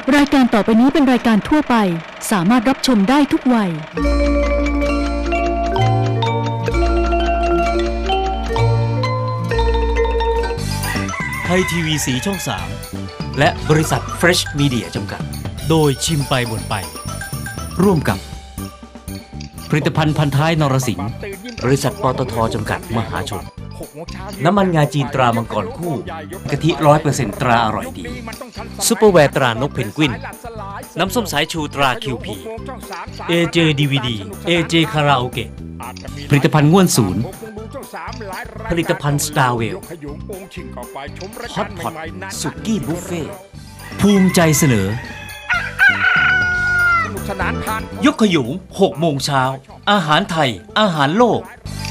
รายการต่อไปนี้เป็นรายการทั่วไปสามารถรับชมได้ทุกวัยไทยทีวีสีช่อง3และบริษัท Fresh Media จำกัดโดยชิมไปบ่นไปร่วมกับผลิตภัณฑ์พันท้ายนรสิงห์บริษัทปตท.จำกัดมหาชนน้ำมันงาจีนตรามังกรคู่กะทิ 100% ตราอร่อยดีซุปเปอร์แวร์ตรานกเพนกวินน้ำส้มสายชูตรา QP AJ DVD AJ คาราโอเกะผลิตภัณฑ์ง่วนศูนย์ผลิตภัณฑ์สตาร์เวลฮอตพอตสุกี้บุฟเฟ่ภูมิใจเสนอยกขยุง6 โมงเช้าอาหารไทยอาหารโลก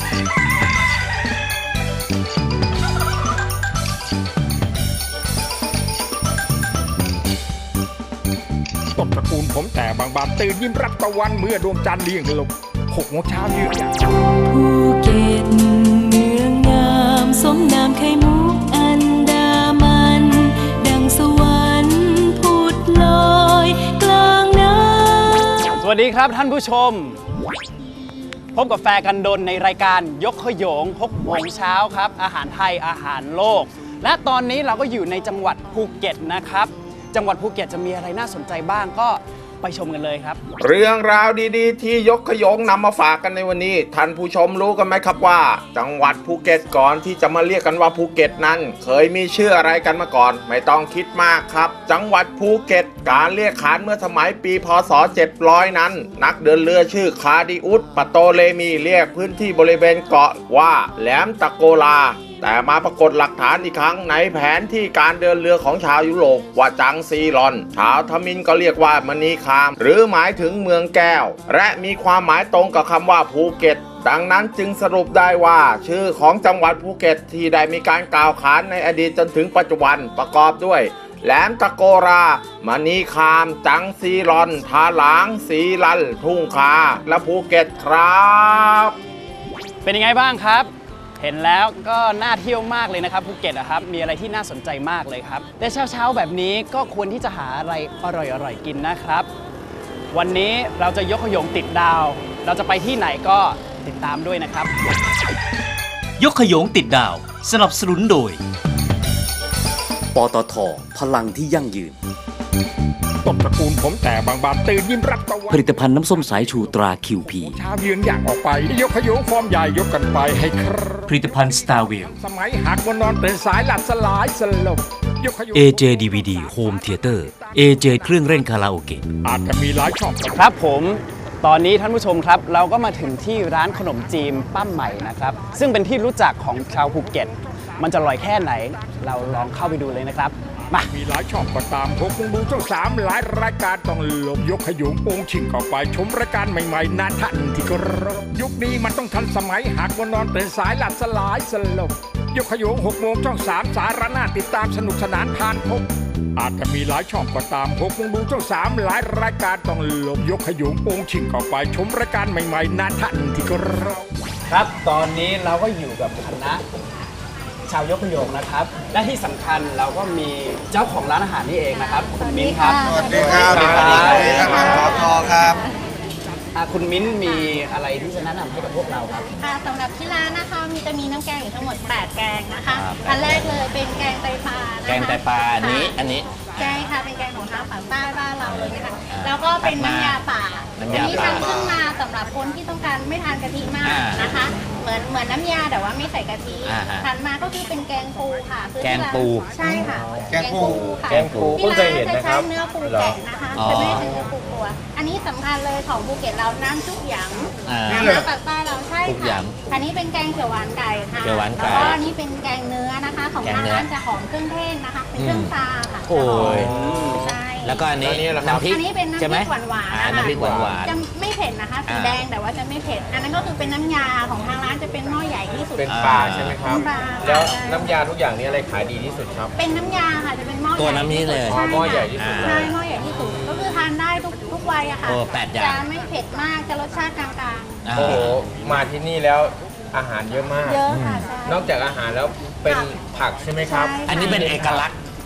ต้นตระกูลผมแต่บางบานตื่นยิ้มรับตะวันเมื่อดวงจันทร์เลี้ยงลง6 โมงเช้ายืนอย่างภูเก็ตเมืองงามสมนามไข่มุกอันดามันดังสวรรค์ผุดลอยกลางน้ำสวัสดีครับท่านผู้ชมพบกับแฟร์กันดนในรายการยกขยง6 โมงเช้าครับอาหารไทยอาหารโลกและตอนนี้เราก็อยู่ในจังหวัดภูเก็ตนะครับจังหวัดภูเก็ตจะมีอะไรน่าสนใจบ้างก็ไปชมกันเลยครับเรื่องราวดีๆที่ยกขยงนำมาฝากกันในวันนี้ท่านผู้ชมรู้กันไหมครับว่าจังหวัดภูเก็ตก่อนที่จะมาเรียกกันว่าภูเก็ตนั้นเคยมีชื่ออะไรกันมาก่อนไม่ต้องคิดมากครับจังหวัดภูเก็ตการเรียกขานเมื่อสมัยปีพ.ศ. 700นั้นนักเดินเรือชื่อคาดิอุสปโตเลมีเรียกพื้นที่บริเวณเกาะว่าแหลมตะโกลาแต่มาปรากฏหลักฐานอีกครั้งในแผนที่การเดินเรือของชาวยุโรปว่าจังซีรอนชาวทมิฬก็เรียกว่ามณีคามหรือหมายถึงเมืองแก้วและมีความหมายตรงกับคำว่าภูเก็ตดังนั้นจึงสรุปได้ว่าชื่อของจังหวัดภูเก็ตที่ได้มีการกล่าวขานในอดีตจนถึงปัจจุบันประกอบด้วยแหลมตะโกรามณีคามจังซีรอนทาหลางสีลันทุ่งคาและภูเก็ตครับเป็นยังไงบ้างครับเห็นแล้วก็น่าเที่ยวมากเลยนะครับภูเก็ตนะครับมีอะไรที่น่าสนใจมากเลยครับแต่เช้าๆแบบนี้ก็ควรที่จะหาอะไรอร่อยๆกินนะครับวันนี้เราจะยกขยงติดดาวเราจะไปที่ไหนก็ติดตามด้วยนะครับยกขยงติดดาวสนับสนุนโดยปตท.พลังที่ยั่งยืนต้นตระกูลผมแต่บางบานตื่นยิ้มรับตะวันผลิตภัณฑ์น้ำส้มสายชูตรา QP เช้ายืนอย่างออกไปยกขยงฟอร์มใหญ่ยกกันไปให้ผลิตภัณฑ์สตาร์เวลสมัยหักวันนอนตื่นสายหลับสลายสลบ AJ DVD Home Theater AJ เครื่องเล่นคาราโอเกะอาจจะมีหลายช่องครับผมตอนนี้ท่านผู้ชมครับเราก็มาถึงที่ร้านขนมจีนป้าใหม่นะครับซึ่งเป็นที่รู้จักของชาวภูเก็ตมันจะอร่อยแค่ไหนเราลองเข้าไปดูเลยนะครับมีหลายช่องก็ตาม6 โมงดูช่อง3หลายรายการต้องลบยกขยุงโป่งชิงเข้าไปชมรายการใหม่ๆน่าทันที่ก็รบยุคนี้มันต้องทันสมัยหากวันนอนตื่นสายหลับสลายสลบยกขยุง6 โมงช่อง3สาระน่าติดตามสนุกสนานผ่านพบอาจจะมีหลายช่องก็ตาม6 โมงดูช่อง3หลายรายการต้องลบยกขยุงโป่งชิงเข้าไปชมรายการใหม่ๆน่าทันที่ก็รบครับตอนนี้เราก็อยู่กับคณะชาวยกขยงนะครับและที่สำคัญเราก็มีเจ้าของร้านอาหารนี่เองนะครับคุณมิ้นครับสวัสดีครับสวัสดีครับขอครับคุณมิ้นมีอะไรที่จะแนะนำให้กับพวกเราครับสำหรับที่ร้านนะคะจะมีน้ำแกงอยู่ทั้งหมด8แกงนะคะอันแรกเลยเป็นแกงไตปลาแกงไตปลาอันนี้แกงค่ะเป็นแกงของทางฝั่งใต้บ้านเราเลยนะคะแล้วก็เป็นน้ำยาป่าอันนี้ทำขึ้นมาสำหรับคนที่ต้องการไม่ทานกะทิมากนะคะเหมือนน้ำยาแต่ว่าไม่ใส่กะทิถัดมาก็คือเป็นแกงปูค่ะแกงปูใช่ค่ะแกงปูค่ะที่ร้านจะใช้เนื้อปูแกะนะคะจะไม่ใช่เนื้อปูตัวอันนี้สำคัญเลยของภูเก็ตเราน้ำซุปหยำน้ำปากใต้เราใช่ค่ะอันนี้เป็นแกงเขียวหวานไก่ค่ะแล้วก็อันนี้เป็นแกงเนื้อนะคะของทางร้านจะหอมเครื่องเทศนะคะเป็นเครื่องปลาค่ะโอ้ยใช่แล้วก็อันนี้น้ำพริกอันนี้เป็นน้ำพริกหวานน้ำพริกหวานจะไม่เผ็ดนะคะสีแดงแต่ว่าจะไม่เผ็ดอันนั้นก็คือเป็นน้ำยาของทางร้านจะเป็นหม้อใหญ่ที่สุดเป็นปลาใช่ไหมครับแล้วน้ำยาทุกอย่างนี้อะไรขายดีที่สุดครับเป็นน้ำยาค่ะจะเป็นหม้อตัวน้ำนี้เลยหม้อใหญ่ที่สุดใช่หม้อใหญ่ที่สุดก็คือทานได้ทุกวัยอะค่ะจะไม่เผ็ดมากจะรสชาติกลางๆโอ้โหมาที่นี่แล้วอาหารเยอะมากเยอะค่ะนอกจากอาหารแล้วเป็นผักใช่ไหมครับอันนี้เป็นเอกลักษณ์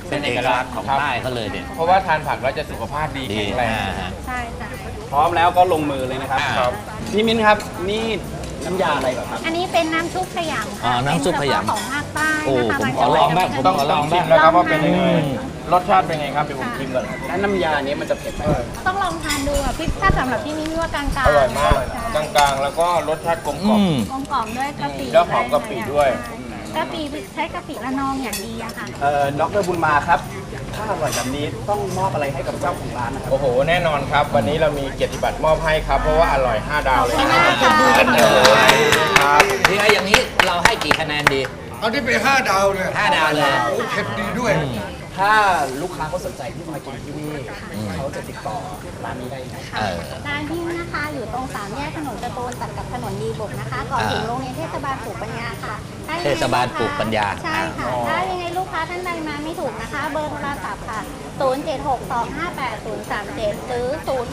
เป็นเอกลักษณ์ของใต้เขาเลยเนี่ยเพราะว่าทานผักแล้วจะสุขภาพดีแข็งแรงใช่ค่ะพร้อมแล้วก็ลงมือเลยนะครับพี่มิ้นครับนี่น้ำยาอะไรเหรอครับอันนี้เป็นน้ำซุปขยำค่ะน้ำซุปขยำเป็นเฉพาะของภาคใต้โอ้นะคะผมขอลองบ้างผมขอลองบ้างแล้วครับว่าเป็นยังไงรสชาติเป็นไงครับเดี๋ยวผมชิมก่อนและน้ำยานี้มันจะเผ็ดไหมต้องลองทานดูอ่ะพี่ถ้าสำหรับที่นี่ว่ากลางๆอร่อยมากใช่กลางๆ แล้วก็รสชาติกลมกล่อมกลมกล่อมด้วยกะปิแล้วหอมกะปิด้วยกะปิใช้กะปิระนองอย่างดีอะค่ะดร.บุญมาครับถ้าอร่อยแบบนี้ต้องมอบอะไรให้กับเจ้าของร้านนะครับโอ้โหแน่นอนครับ วันนี้เรามีเกียรติบัตรมอบให้ครับ เพราะว่าอร่อย 5 ดาวเลยขอบคุณมากค่ะดูกันเลยครับที่ไอ้อย่างนี้เราให้กี่คะแนนดีเอาที่ไป5 ดาวเลย 5 ดาวเลยโอ้เผ็ดดีด้วยถ้าลูกค้าเขาสนใจที่มากินที่นี่เขาจะติดต่อร้านนี้ได้ไหมร้านที่นะคะอยู่ตรงสามแยกถนนตะโตนตัดกับถนนดีบุกนะคะก่อนถึงโรงเรียนเทศบาลปลูกปัญญาค่ะถ้ยังไงเทศบาลปลูกปัญญาใช่ค่ะถ้ายังไงลูกค้าท่านใดมาไม่ถูกนะคะ เบอร์โทรศัพท์ค่ะ 0762580037 หรือ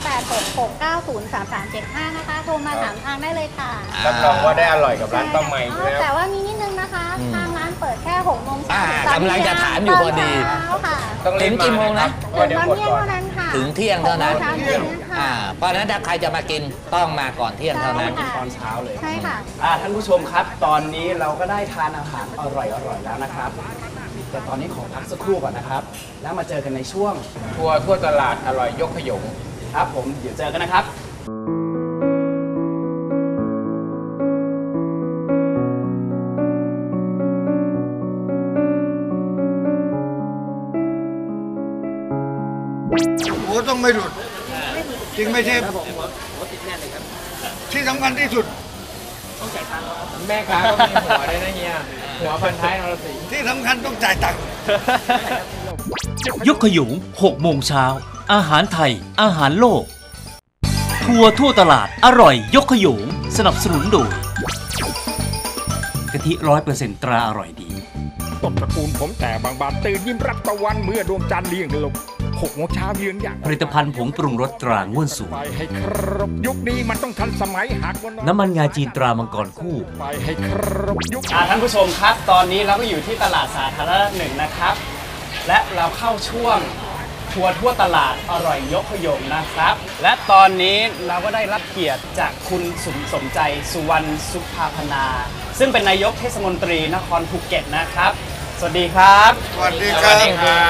0866903375 นะคะ โทรมาถามทางได้เลยค่ะรับรองว่าได้อร่อยกับร้านป้าใหม่อยู่แล้วแต่ว่ามีนิดนึงนะคะ ทางร้านเปิดแค่6 โมงเช้าถึงกำลังจะถามอยู่พอดีตนเช้าค่ะต้องรีบถึงกี่โมงนะเพราะถึงเดี๋ยวตอนหมดเที่ยงก่อนเท่านั้นค่ะถึงเที่ยงเท่านั้น 6 โมงเช้าถึงเที่ยงค่ะเพราะฉะนั้นถ้าใครจะมากินต้องมาก่อนเที่ยงเท่านั้นใช่ค่ะตอนเช้าเลยใช่ค่ะท่านผู้ชมครับ ตอนนี้เราก็ได้ทานอาหารอร่อยๆแล้วนะครับ แต่ตอนนี้ขอพักสักครู่ก่อนนะครับ แล้วมาเจอกันในช่วงทัวร์ทั่วตลาดอร่อยยกขยงครับผมเดี๋ยวเจอกันนะครับโอ้ต้องไม่หลุด จริงไหมเชฟที่สำคัญที่สุดแม่ค้าก็มีหัวด้วยนะเฮียหัวพันท้ายนรสิงห์ที่สำคัญต้องจ่ายตังค์ยกขยุง6 โมงเช้า อาหารไทย อาหารโลก ทัวร์ทั่วตลาด อร่อยยกขยุงสนับสนุนโดยกะทิ100%ตราอร่อยดีต้นตระกูลผมแต่บางบานตื่นยิ้มรับตะวันเมื่อดวงจันทร์เลี้ยงลง6 โมงเช้ายืนอย่างผลิตภัณฑ์ผงปรุงรสตราง่วนสูงไปให้ครบยุคนี้มันต้องทันสมัยหากวันน้ำมันงาจีนตรามังกรคู่ไปให้ครบยุคท่านผู้ชมครับ ตอนนี้เราก็อยู่ที่ตลาดสาธารณะหนึ่งนะครับ และเราเข้าช่วงทัวร์ทั่วตลาดอร่อยยกขยงนะครับ และตอนนี้เราก็ได้รับเกียรติจากคุณสมใจสุวรรณสุภาพนา ซึ่งเป็นนายกเทศมนตรีนครภูเก็ตนะครับ สวัสดีครับสวัสดีครับ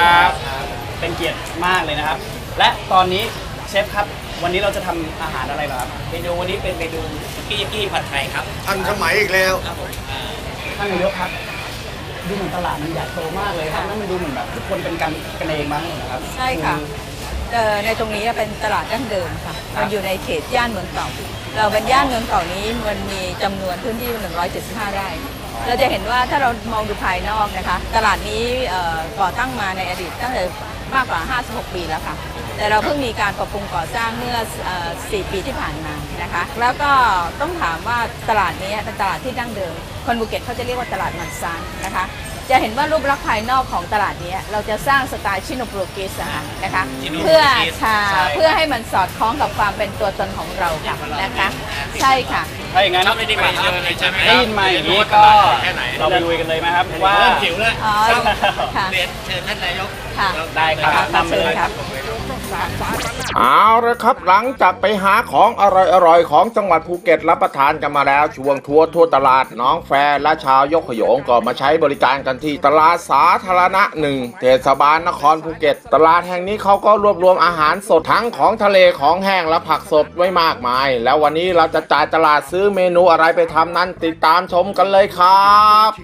เป็นเกียรติมากเลยนะครับ และตอนนี้เชฟครับ วันนี้เราจะทำอาหารอะไรเหรอครับเมนูวันนี้เป็นเมนูสุกี้ผัดไทยครับทันสมัยอีกแล้วท่านนายกครับ ดูเหมือนตลาดมันใหญ่โตมากเลยครับแล้วมันดูเหมือนแบบทุกคนเป็นกันเองมั้งนะครับใช่ค่ะในตรงนี้เป็นตลาดดั้งเดิมค่ะมันอยู่ในเขตย่านเมืองเก่า เราเป็นย่านเมืองเก่านี้มันมีจำนวนพื้นที่175 ไร่ เราจะเห็นว่าถ้าเรามองดูภายนอกนะคะ ตลาดนี้ก่อตั้งมาในอดีตตั้งแต่มากกว่า 56 ปีแล้วค่ะ แต่เราเพิ่งมีการปรับปรุงก่อสร้างเมื่อ 4 ปีที่ผ่านมานะคะ แล้วก็ต้องถามว่าตลาดนี้เป็นตลาดที่ดั้งเดิม คนภูเก็ตเขาจะเรียกว่าตลาดมันซานนะคะ จะเห็นว่ารูปลักษณ์ภายนอกของตลาดนี้เราจะสร้างสไตล์ชิโนโปรตุเกสนะคะเพื่อให้มันสอดคล้องกับความเป็นตัวตนของเราค่ะนะคะใช่ค่ะถ้าอย่างนั้นได้ยินมาอย่างนี้ก็เราไปลุยกันเลยไหมครับว่าเริ่มหิวแล้วค่ะเชิญท่านนายกค่ะได้ครับตามไปเลยครับเอาละครับหลังจากไปหาของอร่อยๆของจังหวัดภูเก็ตรับประทานกันมาแล้วช่วงทัวร์ทั่วตลาดน้องแฟร์และชาวยกขยงก็มาใช้บริการกันที่ตลาดสาธารณะ1เทศบาลนครภูเก็ตตลาดแห่งนี้เขาก็รวบรวมอาหารสดทั้งของทะเลของแห้งและผักสดไว้มากมายแล้ววันนี้เราจะจ่ายตลาดซื้อเมนูอะไรไปทำนั้นติดตามชมกันเลยครับ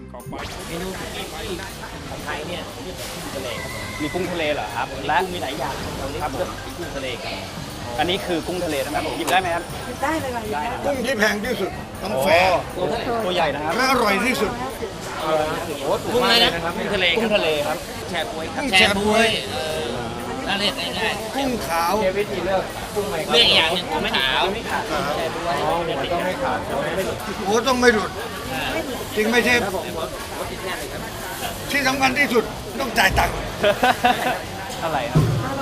มีกุ้งทะเลเหรอครับและมีหลายอย่างครับกุ้งทะเลครับอันนี้คือกุ้งทะเลนะครับหยิบได้ไหมครับได้เลยค่ะกุ้งที่แพงที่สุดต้องแฟร์ตัวใหญ่นะครับและอร่อยที่สุดกุ้งอะไรนะกุ้งทะเลครับแชร์บวยครับกุ้งแชร์บวยน่าเรียกง่ายกุ้งขาววิธีเลือกกุ้งไหมครับเรียกอย่างหนึ่งผมไม่ขาวมันต้องไม่ขาดใช่ไหมโอ้ต้องไม่หลุด จริงไหมเชฟที่สำคัญที่สุดต้องจ่ายตังค์อะไรครับ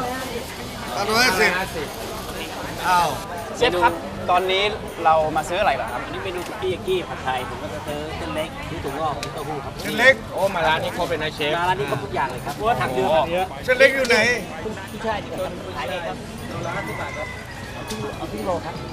150อ้าวเชฟครับตอนนี้เรามาซื้ออะไรเหรอครับอันนี้เมนูสุกี้ผัดไทยผมก็จะซื้อเส้นเล็กซื้อถั่วงอกมีเต้าหู้ครับเส้นเล็กโอ้มาร้านนี้เขาเป็นนายเชฟร้านนี้ก็ทุกอย่างเลยครับเพราะว่าถังเยอะเยอะเส้นเล็กอยู่ไหนพี่ชายดีกว่าขายเองครับโลละ50 บาทครับเอาครึ่งโลครับ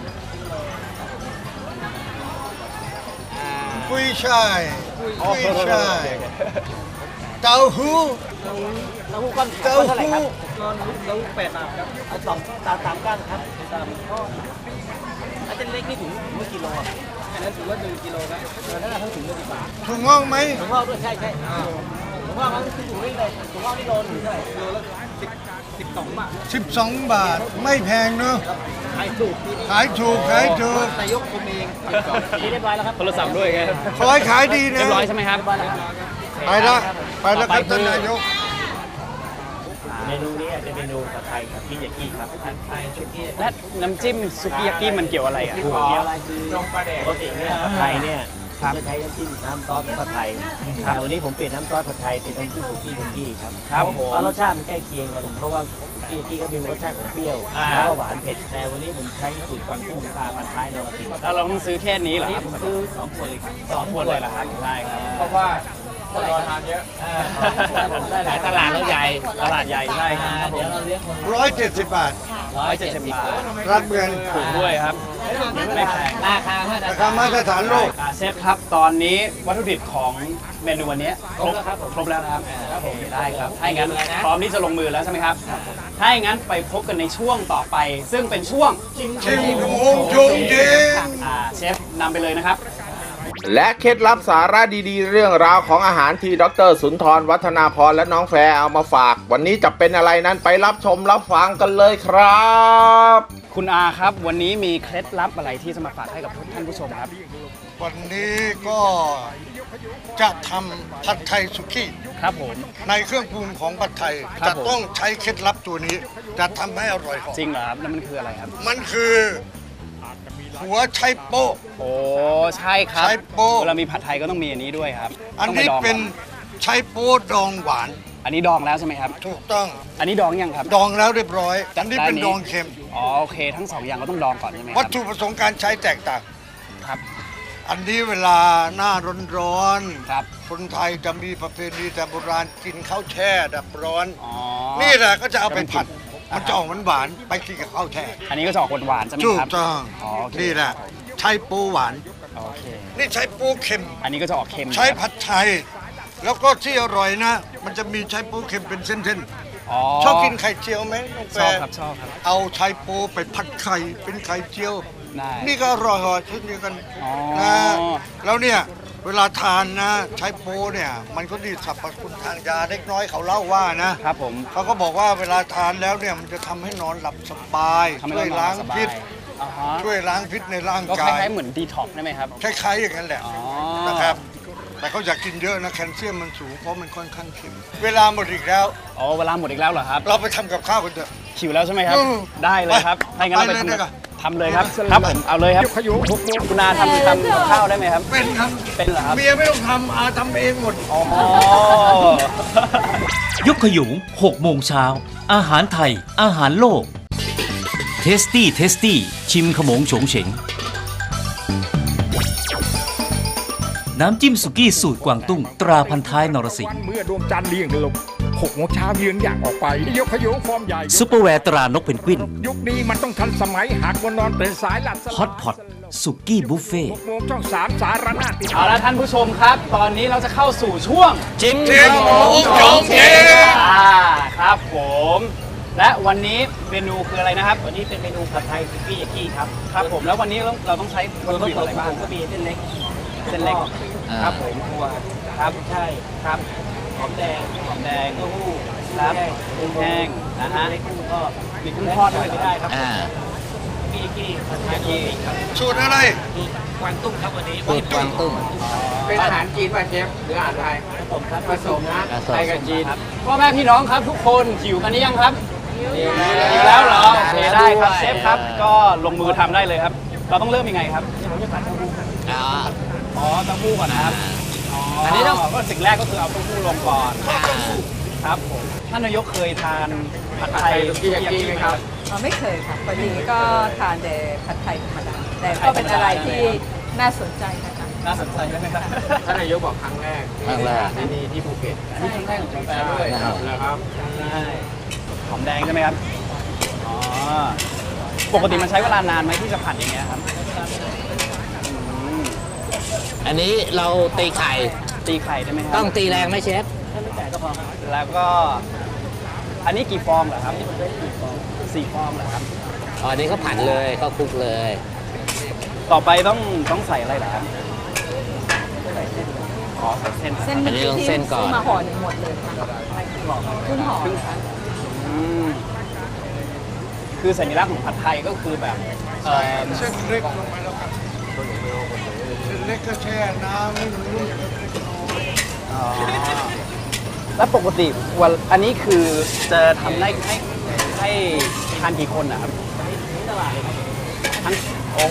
กุ้ยช่ายกุ้ยช่ายเต้าหู้เต้าหู้ก้อนเท่าไหร่ครับเต้าหู้8 บาทครับเอา3 ก้านครับ3ก้อนถ้าเส้นเล็กนี่ถึงกี่โลอ่ะอันนั้นถือว่า1 กิโลครับถ้าทั้งถุงเลยดีกว่าถั่วงอกไหมถั่วงอกด้วยใช่ถั่วงอกมันคือถุงนี้เลยถั่วงอกนี่โลนึงเท่าไหร่โลละ12 บาท 12 บาทไม่แพงเนอะขายถูกขายถูกขายถูกนายกคุมเองนี่เรียบร้อยแล้วครับโทรศัพท์ด้วยไงขอให้ขายดีนะเรียบร้อยใช่ไหมครับไปละไปแล้วครับท่านนายกเมนูนี้จะเป็นเมนูผัดไทยครับพี่ยากิครับผัดไทยชุกี้และน้ำจิ้มสุกี้ยากิมันเกี่ยวอะไรอ่ะเกี่ยวอะไรคือปกติเนี่ยผัดไทยเนี่ยจะใช้น้ำจิ้มน้ำซอสผัดไทยแต่วันนี้ผมเปลี่ยนน้ำซอสผัดไทยเป็นน้ำจิ้มสุกี้ยากิครับเพราะรสชาติมันใกล้เคียงกันเพราะว่าสุกี้ยากิก็มีรสชาติของเปรี้ยวแล้วก็หวานเผ็ดแต่วันนี้ผมใช้สูตรกวางตุ้งปลาผัดไทยนรสิงห์แล้วเราต้องซื้อแค่นี้เหรอครับซื้อ2 ขวดเลยครับ 2 ขวดเลยเหรอครับได้ครับเพราะว่าคนรอทานเยอะได้หลายตลาดแล้วใหญ่ตลาดใหญ่ใช่ครับเดี๋ยวเราเลี้ยงคน 170 บาท 170 บาทรับเงินถูกด้วยครับไม่แพงราคาราคามาตรฐานโลกเชฟครับตอนนี้วัตถุดิบของเมนูวันนี้ครบแล้วนะครับได้ครับถ้าอย่างนั้นพร้อมที่จะลงมือแล้วใช่ไหมครับถ้าอย่างนั้นไปพบกันในช่วงต่อไป ซึ่งเป็นช่วงชิมขโมงชงจริงเชฟนำไปเลยนะครับและเคล็ดลับสาระดีๆ เรื่องราวของอาหารที่ดร.สุนทรวัฒนาพรและน้องแฟร์เอามาฝาก วันนี้จะเป็นอะไรนั้นไปรับชมรับฟังกันเลยครับคุณอาครับวันนี้มีเคล็ดลับอะไรที่จะมาฝากให้กับท่านผู้ชมครับวันนี้ก็จะทำผัดไทยสุกี้ครับผมในเครื่องปรุงของผัดไทยครับจะผมต้องใช้เคล็ดลับตัวนี้ จะทำให้อร่อยจริงเหรอครับแล้วมันคืออะไรครับมันคือหัวไชโป๊ะโอ้ใช่ครับไชโป๊ะเวลามีผัดไทยก็ต้องมีอันนี้ด้วยครับอันต้งไนี้ดงก่เป็นไชโป๊ะดองหวานอันนี้ดองแล้วใช่ไหมครับถูกต้องอันนี้ดองยังครับดองแล้วเรียบร้อย อันนี้เป็นดองเค็มอ๋อโอเคทั้งสองอย่างก็ต้องดองก่อนใช่ไหมควัรัตถุประสงค์การใช้แตกต่างครับอันนี้เวลาหน้าร้อนครับคนไทยจะมีประเพณีแต่โบราณกินข้าวแช่ดับร้อนอ๋อนี่แหละก็จะเอาไปผัด มันจะออกหวานๆไปกินกับข้าวแช่อันนี้ก็จะออกหวานๆใช่ไหมถูคกรับต้องอ๋อโอเคนี่แหละใช้ปูหวานโอเคนี่ใช้ปูเค็มอันนี้ก็จะออกเค็มใช้ผัดไทย แล้วก็ที่อร่อยนะ มันจะมีใช้ปูเค็มเป็นเส้นอ๋อๆชอบกินไข่เจียวไหมน้องแฟชอบร์ครับชอบครับเอาใช้ปูไปผัดไข่เป็นไข่เจียวได้นี่ก็อร่อยเช่นเดียวกันอ๋อนะแล้วเนี่ยเวลาทานนะใช้ปูเนี่ยมันก็ดีสรรพคุณทางยาเล็กน้อยเขาเล่าว่านะครับผมเขาก็บอกว่าเวลาทานแล้วเนี่ยมันจะทำให้นอนหลับสบายทำให้ช่วยเรนอนล้างสบายพิษอ่าฮะช่วยล้างพิษในร่างก็คกายล้ายๆเหมือนดีท็อกได้ไหมครับคล้ายๆอย่างนั้นแหละอ๋อนะครับ แต่เขาอยากกินเยอะนะแคลเซียมมันสูงเพราะมันค่อนข้างเค็มเวลาหมดอีกแล้วอ๋อเวลาหมดอีกแล้วเหรอครับเราไปทำกับข้าวกันเถอะหิวแล้วใช่ไหมครับอืมได้เลยครับไปถ้าอย่างนั้นเราไปไปเลยดีกว่าทำเลยครับครับผมเอาเลยครับคุณอาทำกับข้าวได้ไหมครับเป็นครับเป็นเหรอครับเมียไม่ต้องทำอาทำเองหมดอ๋อยกขยุง6 โมงเช้า อาหารไทย อาหารโลก เทสตี้ชิมขโมงโฉงเฉง น้ำจิ้มสุกี้สูตรกวางตุ้งตราพันท้ายนรสิงห์เมื่อดวงจันทร์เลี่ยงลง6 โมงเช้าเยือนอย่างออกไป ยกขยุงฟอร์มใหญ่ซุปเปอร์แวร์ตรานกเพนกวินยุคนี้มันต้องทันสมัยหากวันนอนเป็นสายหลัดฮอตพอตสุกี้บุฟเฟ่ 6 โมงช่อง 3 สารนาติดเอาละท่านผู้ชมครับ ตอนนี้เราจะเข้าสู่ช่วงจิ้มขโมงโฉงเฉงครับผม และวันนี้เมนูคืออะไรนะครับวันนี้เป็นเมนูผัดไทยสุกี้ยากิครับครับผมแล้ววันนี้เราต้องใช้วัตถุดิบอะไรบ้างก็มีเส้นเล็กเส้นเล็กครับผมถั่วครับใช่ครับหอมแดงหอมแดงเต้าหู้ครับกุ้งแห้งนะฮะเล็กกุ้งทอดมีกุ้งทอดด้วยไม่ได้ครับสุกี้ยากิผัดไทยนรสิงห์ครับสูตรอะไรสูตรกวางตุ้งครับวันนี้สูตรกวางตุ้ง เป็นอาหารจีนป่ะเชฟหรืออาหารไทยผมครับผสมนะไทยกับจีนพ่อแม่พี่น้องครับทุกคนหิวกันหรือยังครับหิวแล้วเหรอโอเคได้ครับเชฟครับก็ลงมือทำได้เลยครับ เราต้องเริ่มยังไงครับ อ๋อเต้าหู้ก่อนนะครับอันนี้ต้องก็สิ่งแรกก็คือเอาเต้าหู้ลงก่อนครับผมท่านนายกเคยทานผัดไทยสุกี้ยากิไหมครับไม่เคยค่ะปกติก็ทานแต่ผัดไทยธรรมดาแต่ก็เป็นอะไรที่น่าสนใจนะคะน่าสนใจไหมครับท่านนายกบอกครั้งแรกครั้งแรกที่นี่ที่ภูเก็ตอันนี้ครั้งแรกของกาแฟด้วยนะครับใช่หอมแดงใช่ไหมครับอ๋อปกติมันใช้เวลานานไหมที่จะผัดอย่างเงี้ยครับอันนี้เราตีไข่ตีไข่ได้ไหมครับต้องตีแรงไหมเชฟแล้วก็อันนี้กี่ฟองเหรอครับ4 ฟองเหรอครับอ๋ออันนี้เขาผัดเลยเขาคลุกเลยต่อไปต้องใส่อะไรเหรอครับอ๋อใส่เส้นเส้นอันนี้ต้องเส้นก่อนซื้มาห่อหนึ่งหมดเลยค่ะครึ่งห่ออืมคือสัญลักษณ์ของผัดไทยก็คือแบบเส้นเล็กลงไปแล้วครับเส้นเล็กก็แช่น้ำให้มันนุ่มอ๋อแล้วปกติวันอันนี้คือจะทำได้ให้ทานกี่คนนะครับทั้งโอ้โห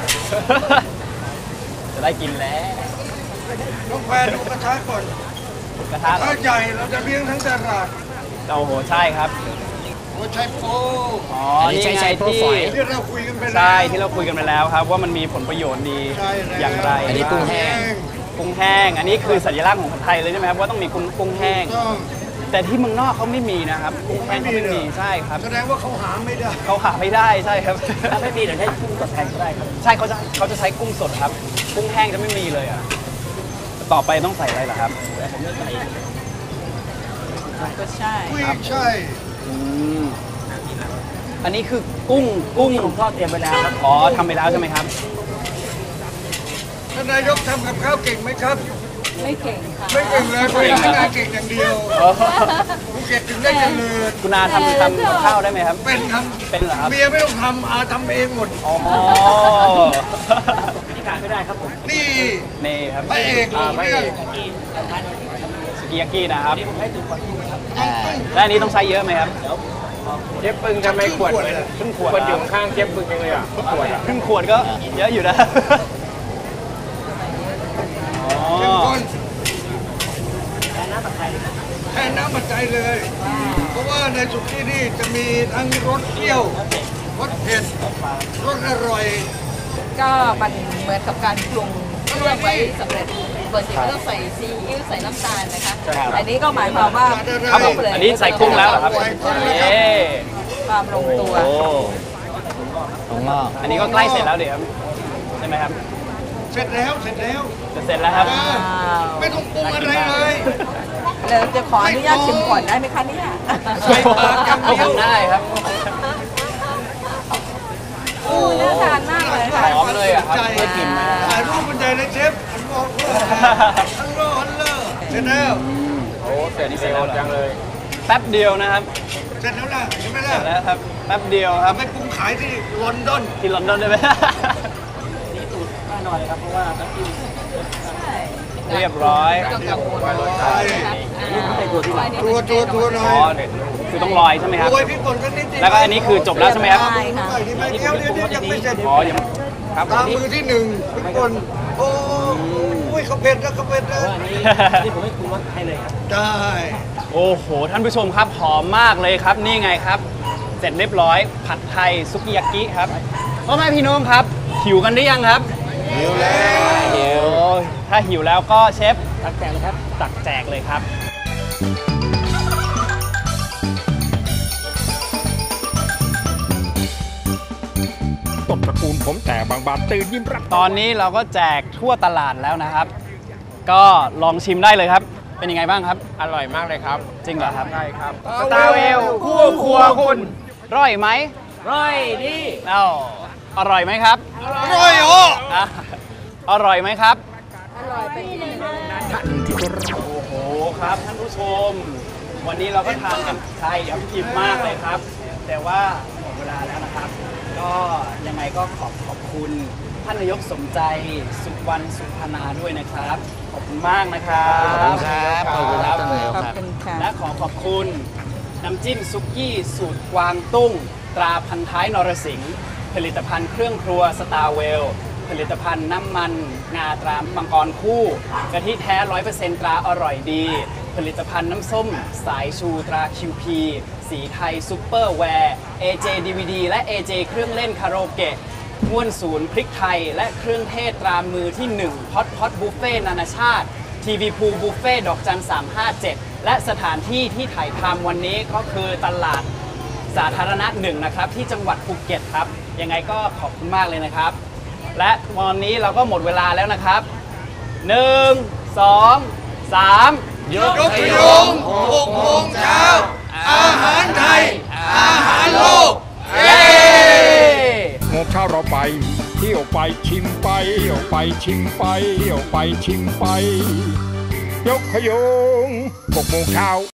จะได้กินแล้วต้องแฟนดูกระทะก่อนกระทะเหรอถ้าใหญ่เราจะเลี้ยงทั้งตลาดโอ้โหใช่ครับหัวไชโป๊อ๋ออันนี้นี่ใช้ไงโปรที่ฝอยที่เราคุยกันไปแล้วใช่ที่เราคุยกันไปแล้วครับ ว่ามันมีผลประโยชน์ดีใช่แล้วอย่างไรอันนี้กุ้งแห้งกุ้งแห้ง อันนี้คือสัญลักษณ์ของผัดไทยเลยใช่ไหมครับว่าต้องมีกุ้งแห้งต้องแต่ที่เมืองนอกเขาไม่มีนะครับกุ้งแห้งเขาไม่มีใช่ครับแสดงว่าเขาหาไม่ได้เขาหาไม่ได้ใช่ครับถ้าไม่มีเดี๋ยวใช้กุ้งสดแทนก็ได้ครับใช่เขาจะใช้กุ้งสดครับ กุ้งแห้งจะไม่มีเลยอ่ะต่อไปต้องใส่อะไรล่ะครับผมจะใส่ก็ใช่กุ้ยใช่อืมอันนี้คือกุ้งที่ผมทอดเตรียมไว้แล้วครับอ๋อทำไปแล้วใช่ไหมครับท่านนายกทำกับข้าวเก่งไหมครับไม่เก่งค่ะไม่เก่งเลยเป็นพนักงานเก่งอย่างเดียวอ๋อภูเก็ตถึงได้เจริญคุณอาทำกับข้าวได้ไหมครับเป็นครับเป็นเหรอครับเมียไม่ต้องทำอาทำเองหมดอ๋อที่ขาดไม่ได้ครับผมนี่นี่ครับพระเอกของเรื่องสกิยากินะครับผมให้ดูก่อนครับและอันนี้ต้องใช้เยอะไหมครับเจ๊ปึงทำไมขวดเลยครึ่งขวดขวดอยู่ข้างเจ๊ปึงยังเลยอ่ะขวดอ่ะครึ่งขวดก็เยอะอยู่นะ อ๋อเข้มข้นแทนน้ำผัดไทยแทนน้ำปัจจัยเลย เพราะว่าในสุกี้นี่จะมีทั้งรสเปรี้ยวรสเผ็ดรสอร่อยก็มันเหมือนกับการปรุงเครื่องไว้สำเร็จปกติก็ต้องใส่ซีอิ๊วใส่น้ำตาลนะคะ อันนี้ก็หมายความว่าครับผมอันนี้ใส่กุ้งแล้วเหรอครับเย้ความลงตัวโอ้ตรงงอกอันนี้ก็ใกล้เสร็จแล้วเดี๋ยวครับใช่ไหมครับเสร็จแล้วเสร็จแล้วจะเสร็จแล้วครับไม่ต้องปรุงอะไรเลยเราจะขออนุญาตชิมก่อนได้ไหมคะเนี่ยใส่ปากอย่างเดียวได้ครับโอ้น่าทานมากเลยค่ะหอมเลยอะครับได้กลิ่นไหมถ่ายรูปบรรยายเลยเชฟอันบอกว่าฮัลโหลฮัลโหลเสร็จแล้วโอ้เสร็จนี่เสร็จแล้วจังเลย แป๊บเดียวนะครับเสร็จแล้วล่ะใช่ไหมเสล่ะร็จแล้วครับ แป๊บเดียวครับไปปรุงขายที่ลอนดอนที่ลอนดอนได้ไหมนี่สูตรป้าหน่อยครับเพราะว่าน้ำจิ้มเรียบร้อยใช่นี่ผมใส่ตัวที่หลังตัวหน่อ๋ออย คือต้องลอยใช่ไหมครับโรยพริกป่นกันนิดเดียวแล้วก็อันนี้คือจบแล้วใช่ไหมครับใช่ค่ะใส่ที่ไม่เดียวเดียวยังไม่เสร็จอ๋อยังครับตามมือที่หนึ่งพริกป่นโอ้ยเขาเผ็ดแล้วเขาเผ็ดแล้วอันนี้นี่ผมให้ปรุงรสให้เลยครับได้โอ้โห ท่านผู้ชมครับ หอมมากเลยครับ นี่ไงครับ เสร็จเรียบร้อย ผัดไทยซุกิยากิครับพ่อแม่พี่น้องครับ หิวกันหรือยังครับหิวแล้วหิวถ้าหิวแล้วก็เชฟตักแจกเลยครับ ตักแจกเลยครับต้นตระกูลผมแต่บางบานตื่นยิ้มรับตอนนี้เราก็แจกทั่วตลาดแล้วนะครับ ก็ลองชิมได้เลยครับ เป็นยังไงบ้างครับอร่อยมากเลยครับจริงเหรอครับใช่ครับสตาร์เวลคู่ครัวคุณร่อยไหมร้อยดีเอ้าอร่อยไหมครับอร่อยเหรออ่ะอร่อยไหมครับอร่อยไปที่หนึ่งโอ้โหครับท่านผู้ชม วันนี้เราก็ทานกันใช่ครับอิ่มมากเลยครับ แต่ว่าหมดเวลาแล้วนะครับ ก็ยังไงก็ขอบคุณท่านนายกสมใจสุวรรณสุพนาด้วยนะครับ ขอบคุณมากนะครับขอบคุณครับขอบคุณครับท่านนายกขอบครับคุณค่ะและขอบคุณน้ำจิ้มซุกี้สูตรกวางตุ้ง ตราพันท้ายนรสิงห์ผลิตภัณฑ์เครื่องครัวสตาร์เวลผลิตภัณฑ์น้ำมันงาตรามังกรคู่กะทิแท้ 100% ตราอร่อยดี ผลิตภัณฑ์น้ำส้มสายชูตรา QP สีไทยซุปเปอร์แวร์ AJ DVD และ AJ เครื่องเล่นคาราโอเกะง่วนศูนย์พริกไทยและเครื่องเทศตรามือที่1พอดบุฟเฟ่นานาชาติทีวีพูบุฟเฟ่ดอกจัน357และสถานที่ที่ถ่ายทำวันนี้ก็คือตลาดสาธารณะ1นะครับที่จังหวัดภูเก็ตครับยังไงก็ขอบคุณมากเลยนะครับและวันนี้เราก็หมดเวลาแล้วนะครับ1 2 3ยกขยง6 โมงเช้าอาหารไทยอาหารโลกเย้โมงเช้าเราไปเที่ยวไปชิมไปเที่ยวไปชิมไปเที่ยวไปชิมไปยกขยง6 โมงเช้า